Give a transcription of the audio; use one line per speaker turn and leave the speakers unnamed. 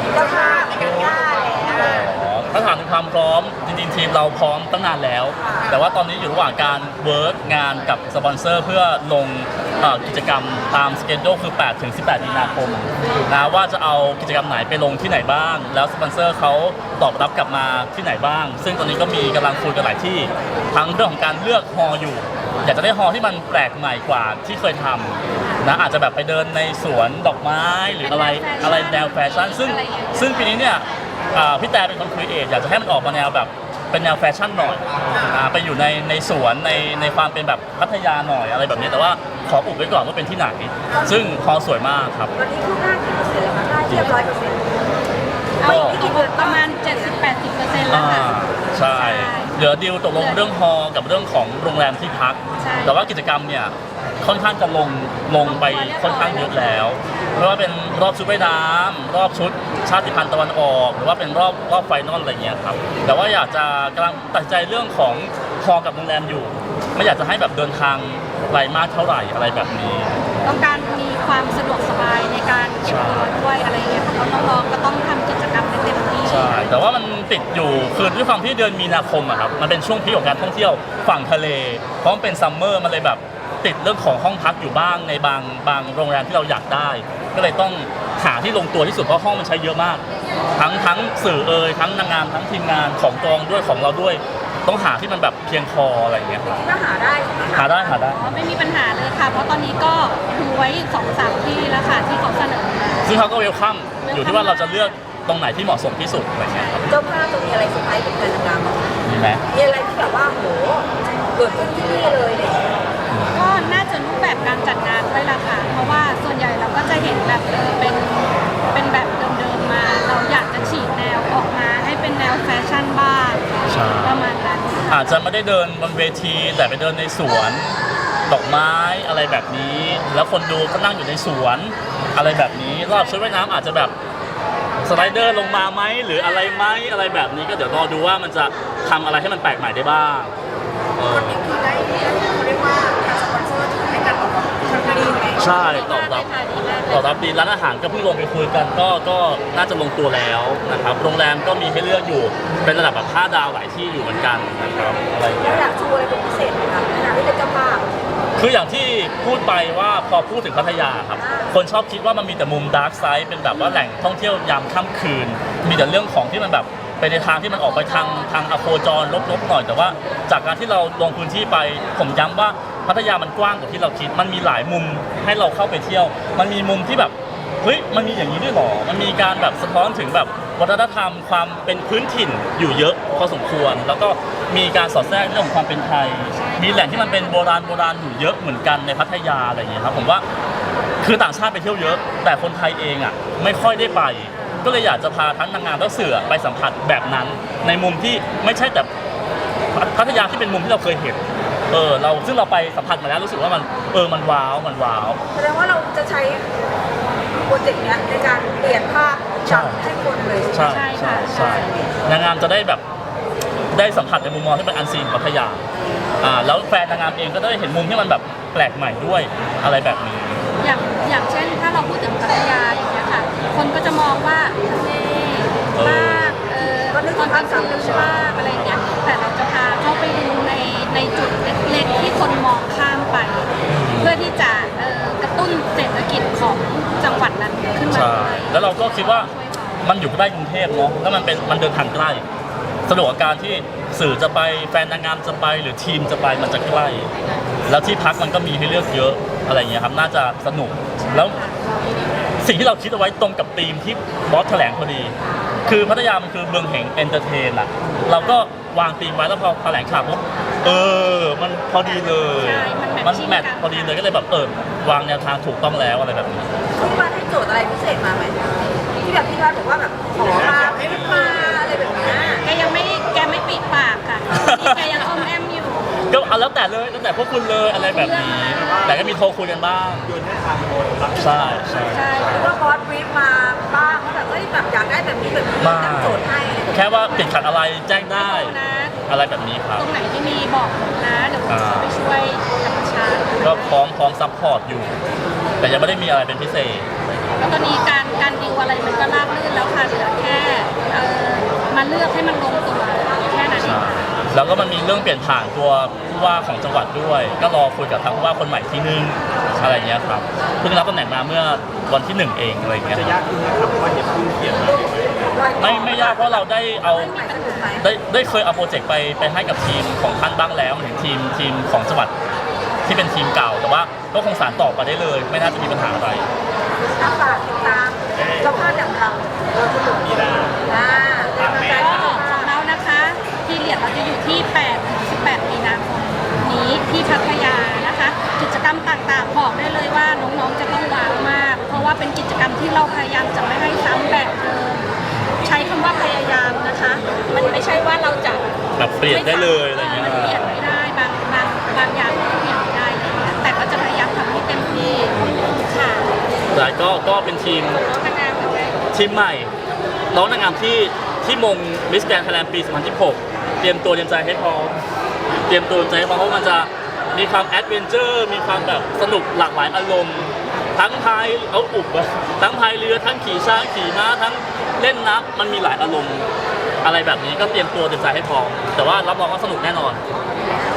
เจ้าภาพในการย่าแล้ว
ถ้าถามถึงความพร้อมจริงๆทีมเราพร้อมตั้งนานแล้ว แต่ว่าตอนนี้อยู่ระหว่างการเวิร์กงานกับสปอนเซอร์เพื่อลงกิจกรรมตามสเกจโดคือ8 ถึง 18 มีนาคมนะว่าจะเอากิจกรรมไหนไปลงที่ไหนบ้างแล้วสปอนเซอร์เขาตอบรับกลับมาที่ไหนบ้างซึ่งตอนนี้ก็มีกำลังคุยกันหลายที่ทั้งเรื่องของการเลือกฮอลอยู่อยากจะได้ฮอลที่มันแปลกใหม่กว่าที่เคยทำนะอาจจะแบบไปเดินในสวนดอกไม้หรืออะไรแนวแฟชั่นซึ่งปีนี้เนี่ยพี่แต่เป็นคนครีเอทอยากจะให้มันออกมาแนวแบบเป็นแนวแฟชั่นหน่อยไปอยู่ในสวนในความเป็นแบบพัทยาหน่อยอะไรแบบนี้แต่ว่าขออุบไว้ก่อนว่าเป็นที่ไหนซึ่งฮอลสวยมากครับ
ตอนนี้คืบหน้ากี่เปอร์เซ็นต์แล้วคะได้เรียบร้อยเปอร์เซ็นต์ไม่กี่เดือน
ประมาณ 70-80% แล้วค่ะ
ใช่เหลือดีลตกลงเรื่องฮอลกับเรื่องของโรงแรมที่พักแต่ว่ากิจกรรมเนี่ยค่อนข้างจะลงไปค่อนข้างเยอะแล้วไม่ว่าเป็นรอบชุดว่ายน้ำรอบชุดชาติพันธุ์ตะวันออกหรือว่าเป็นรอบไฟนอลอะไรเงี้ยครับแต่ว่าอยากจะกำลังตัดใจเรื่องของฮอลกับโรงแรมอยู่ไม่อยากจะให้แบบเดินทางไกลมากเท่าไหร่อะไรแบบนี้
ต้องการมีความสะดวกสบายในการเก็บตัวด้วยอะไรเงี้ยเพราะน้องๆก็ต้องทำกิจกรรมเต็มที่
ใช่แต่ว่ามันติดอยู่คือด้วยความที่เดือนมีนาคมอะครับมันเป็นช่วงพีคของการท่องเที่ยวฝั่งทะเลเพราะมันเป็นซัมเมอร์มันเลยแบบติดเรื่องของห้องพักอยู่บ้างในบางโรงแรมที่เราอยากได้ก็เลยต้องหาที่ลงตัวที่สุดเพราะห้องมันใช้เยอะมากทั้งสื่อทั้งนางงามทั้งทีมงานของกองด้วยของเราด้วยต้องหาที่มันแบบเพียงพออะไรอย่างเงี้ย
ก็หาได้
หาได้
ไม่มีปัญหาเลยค่ะเพราะตอนนี้ก็ดูไว้ 2-3 ที่แล้วค่ะที่เขาเสนอมา
ซึ่งเขาก็เวลคัมอยู่ที่ว่าเราจะเลือกตรงไหนที่เหมาะสมที่สุดอะไรเงี้ยครับ
เจ้าภาพจะมีอะไรเซอร์ไพรส์กับแฟนนางงาม
มีไหม
มีอะไรที่แบบว่าโหเกิดขึ้นที่นี่เลยเนี่ย
ก็น่าจะรูปแบบการจัดงานด้วยล่ะค่ะเพราะว่าส่วนใหญ่เราก็จะเห็นแบบเป็นแบบเดิมๆมาเราอยากจะฉีกแนวออกมาให้เป็นแนวแฟชั่นบ้างประมาณนั้น
อาจจะไม่ได้เดินบนเวทีแต่ไปเดินในสวนดอกไม้อะไรแบบนี้แล้วคนดูก็นั่งอยู่ในสวนอะไรแบบนี้รอบชุดว่ายน้ำอาจจะแบบสไลเดอร์ลงมาไหมหรืออะไรไหมอะไรแบบนี้ก็เดี๋ยวรอดูว่ามันจะทำอะไรให้มันแปลกใหม่ได้บ้าง
คนนี้คือได้เขาเรียกว่าทางสปอนเซอร์ถือให้การตอบรับดีไหม
ใช่ตอบรับดีร้านอาหารก็เพิ่งลงไปคุยกันก็น่าจะลงตัวแล้วนะครับโรงแรมก็มีให้เลือกอยู่เป็นระดับแบบ5 ดาวหลายที่อยู่เหมือนกันนะครับอะไรอย่างเงี้ย
อยากชูอะไรเป็นพิเศษไหมครับในฐานะที่เป็นเจ้าภาพ
คืออย่างที่พูดไปว่าพอพูดถึงพัทยาครับคนชอบคิดว่ามันมีแต่มุมดาร์กไซด์เป็นแบบว่าแหล่งท่องเที่ยวยามค่ำคืนมีแต่เรื่องของที่มันแบบไปในทางที่มันออกไปทางอโคจรลบๆหน่อยแต่ว่าจากการที่เราลงพื้นที่ไปผมย้ำว่าพัทยามันกว้างกว่าที่เราคิดมันมีหลายมุมให้เราเข้าไปเที่ยวมันมีมุมที่แบบเฮ้ยมันมีอย่างนี้ด้วยหรอมันมีการแบบสะท้อนถึงแบบวัฒนธรรมความเป็นพื้นถิ่นอยู่เยอะพอสมควรแล้วก็มีการสอดแทรกเรื่องของความเป็นไทยมีแหล่งที่มันเป็นโบราณอยู่เยอะเหมือนกันในพัทยาอะไรอย่างเงี้ยครับผมว่าคือต่างชาติไปเที่ยวเยอะแต่คนไทยเองอ่ะไม่ค่อยได้ไปก็เลยอยากจะพาทั้งนางงามและสื่อไปสัมผัสแบบนั้นในมุมที่ไม่ใช่แต่พัทยาที่เป็นมุมที่เราเคยเห็นซึ่งเราไปสัมผัสมาแล้วรู้สึกว่ามันว้าว
แสดงว่าเราจะใช้โปรเจกต์นี้ในการเปลี่ยนภาพจำให้คนเลย
ใช่นางงามจะได้แบบได้สัมผัสในมุมมองที่เป็นอันซีนพัทยาแล้วแฟนนางงามเองก็ได้เห็นมุมที่มันแบบแปลกใหม่ด้วยอะไรแบบนี้
อย่างเช่นถ้าเราพูดถึงพัทยาอย่างเงี้ยค่ะคนก็จะมองว่าทะเลมากตอนกลางคืนมากอะไรเงี้ยแต่เราจะพาเข้าไปดูในจุดเล็กๆที่คนมองข้ามไปเพื่อที่จะกระตุ้นเศรษฐกิจของจังหวัดนั้นขึ้นมาด้วย
แล้วเราก็คิดว่ามันอยู่ใกล้กรุงเทพเนาะแล้วมันเดินทางใกล้สะดวกกับการที่สื่อจะไปแฟนนางงามจะไปหรือทีมจะไปมันจะใกล้แล้วที่พักมันก็มีให้เลือกเยอะอะไรอย่างเงี้ยครับน่าจะสนุกแล้วสิ่งที่เราคิดเอาไว้ตรงกับธีมที่บอสแถลงพอดีคือพัทยามันคือเมืองแห่งเอนเตอร์เทนอะเราก็วางธีมไว้แล้วพอแถลงข่าวปุ๊บมันพอดีเลยมันแมทพอดีเลยก็เลยแบบวางแนวทางถูกต้องแล้วอะไรแบบนี้
พี่วาดให้โจทย์อะไรพิเศษมาไหมที่แบบพี่วาดบอกว่าแบบขอมาให้มาอะไรแบบนี้
แกไม่ปิดปากค่ะแกยังอมแอมอยู่
ก็เอาแล้วแต่พวกคุณเลยอะไรแบบนี้แต่ก็มีโทรคุยกันบ้างใช่
แล้วก็บอสบรีฟมาบ้างว่าแบบแบบอยากได้แบบนี้ตั้งโจทย์ให้
แค่ว่าติดขัดอะไรแจ้งได้อะไรแบบนี้ครับ
ตรงไหนที่มีบอกนะเดี๋ยวผมไปช่วยธรรมชาติ
ก็พร้อมซัพพอร์ตอยู่แต่ยังไม่ได้มีอะไรเป็นพิเศษ
แล้วตอนนี้การดิวอะไรมันก็ราบรื่นแล้วค่ะเหลือแค่มาเลือกให้มันลงตัวแค่นั้นเอง
แล้วก็มันมีเรื่องเปลี่ยนผ่านตัวผู้ว่าของจังหวัดด้วย ก็รอคุยกับทางผู้ว่าคนใหม่ที่นึงอะไรเงี้ยครับเพิ่งรับตำแหน่งมาเมื่อวันที่ 1เองอะไรเงี้ย
จะยากขึ้นไหมครับเพราะว่าเห็นเพิ่งเขียนมา
ไม่ยากเพราะเราได้เอา
ไม่มีปัญหาไหม
ได้เคยเอาโปรเจกต์ไปให้กับทีมของท่านบ้างแล้วถึงทีมของจังหวัดที่เป็นทีมเก่า แต่ว่าก็คงสานต่อไปได้เลย ไม่น่าจะมีปัญหาอะไร
ฝากติดตามเจ้าภาพอย่างเรามีได้เป็นกำลังใจ
ก็
ให้
ของเรานะคะที่เหรียญเราจะอยู่ที่8 ถึง 18 มีนาคมนี้ที่พัทยานะคะ กิจกรรมต่างๆบอกได้เลยว่าน้องๆจะต้องว้าวมาก เพราะว่าเป็นกิจกรรมที่เราพยายามจะไม่ให้ซ้ำแบบเดิมใช้คำว่าพยายามนะคะ มันไม่ใช่ว่าเราจะ
แบบเปลี่ยนได้เลยอะไรเงี้ย
มันเปลี่ยนไม่ได้บางอย่างมันเปลี่ยนไม่ได้อะไรเงี้ยแต่ก็จะพยายามทำให้เต็มที่ค่ะ
แต่ก็เป็นทีม
น้องๆนางๆเลย
ทีมใหม่ น้องนางงามที่มงมิสแกรนด์ไทยแลนด์ปี 2016 เตรียมตัวเตรียมใจให้พร้อมเพราะมันจะมีความแอดเวนเจอร์มีความแบบสนุกหลากหลายอารมณ์ ทั้งพายทั้งพายเรือทั้งขี่ช้างขี่ม้าทั้งเล่นน้ำมันมีหลายอารมณ์อะไรแบบนี้ก็เตรียมตัวเตรียมใจให้พร้อมแต่ว่ารับรองว่าสนุกแน่นอน